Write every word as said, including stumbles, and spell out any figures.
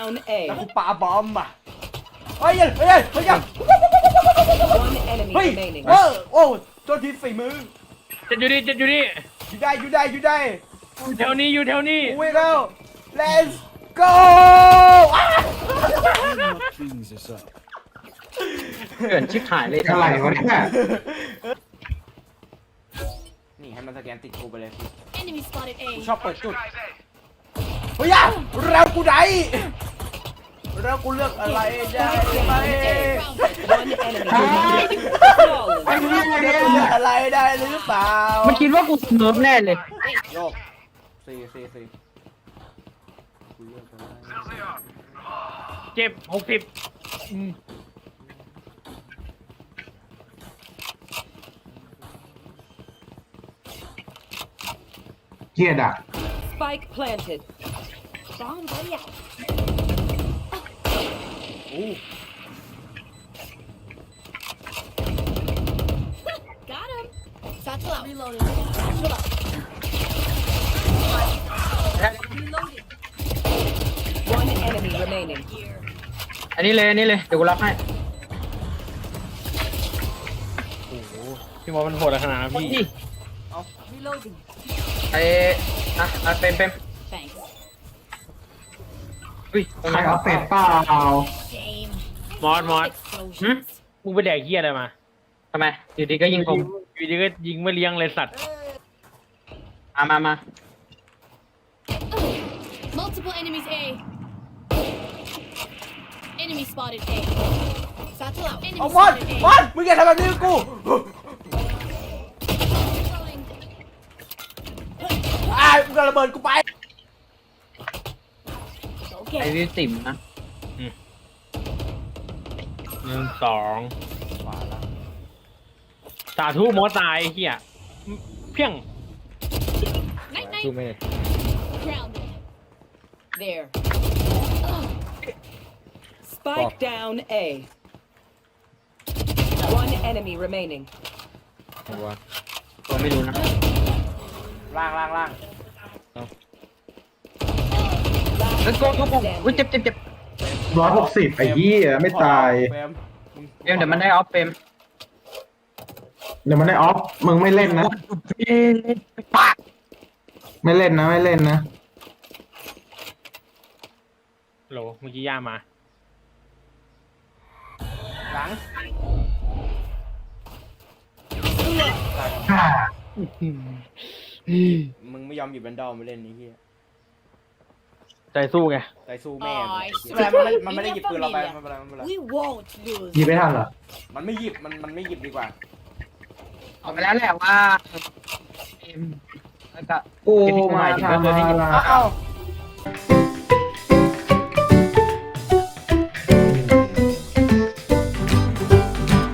down แล้ว A. กูปาบอมอ่ะเฮ้ยเฮ้ยเฮ้ยเฮ้ย One enemy เฮ้ย remaining. เออโอ้โจนทีฝีมือจะอยู่นี่จะอยู่นี่อยู่ได้อยู่ได้อยู่ได้อยู่แถวนี้อยู่แถวนี้กูวิ่งแล้ว let's go อ้า Cleans this up. เกินชิบหายเลยอะไรวะเนี่ยนี่ให้มันสแกนติดกูไปเลย Enemy spotted กู A. ชอบเปิดจุดเฮ้ยอะแล้วกูได้แล้วกูเลือกอะไรได้ไหม One enemy remaining. Flawless. ไอ้เนี่ยไอ้เลืเนี่อกยอะไรได้หรือเปล่ามันคิดว่ากูสเนิร์ฟแน่เลยโยกสี่สี่สี่กูเลือกอะไรเจ็บหกสิบเกียดอ่ะ Spike planted. Bomb buddy out. อู้ Got him. Satchel out. Reloading. Satchel out. Reloading. One enemy remaining. อันนี้เลยอันนี้เลยเดี๋ยวกูรับให้โอ้โหพี่มอมันโหดขนาดนั้นพี่พี่ Reloading. ไอ้อะอะเป็นเป็น Thanks. อุ้ยตรงใครนั้นเอาเป็ดเปล่า Game. มอสมอส Explosions. มึงไปแดกเหี้ยอะไรมาทำไมอยู่ดีก็ยิงผมอยู่ดีก็ยิงไม่เลี้ยงเลยสัตว์มามามา Multiple enemies A. Enemy spotted A. Satchel out. Enemy เอามอน spotted มอ A. นมึงอย่าทำแบบนี้กับกู Reloading. อ่ามึงกระเบิดกูไปไอ้ Okay. วิวติ่มนะหนึ่งสองสาธุมอสตายไอ้เหี้ยเพียง Night ดู night. ไม่ Grounded. There. Spike down A. One enemy remaining. ตัวไม่รู้นะล่างล่างล่างแล้วก็ทุกคนอุ้ยเจ็บเจ็บเจ็บร้อยหกสิบไอ้เหี้ยไม่ตายเฟรมเอ็มเดี๋ยวมันได้ออฟเฟรมเดี๋ยวมันได้ออฟ มึงไม่เล่นนะ ไม่เล่นนะไม่เล่นนะโหลเมื่อกี้ย่ามาหลัง มึงไม่ยอมหยิบแบนดอลมาเล่นนี่เฮียใจสู้ไงใจสู้แม่อ๋อมันไม่มันไม่ได้หยิบปืนเราไปไม่เป็นไรไม่เป็นไร We won't lose. หยิบไม่ทันเหรอมันไม่หยิบมันมันไม่หยิบดีกว่าเอาไปแล้วแหละว่าเอ็มแล้วก็กูมาทำอะไรอ้าว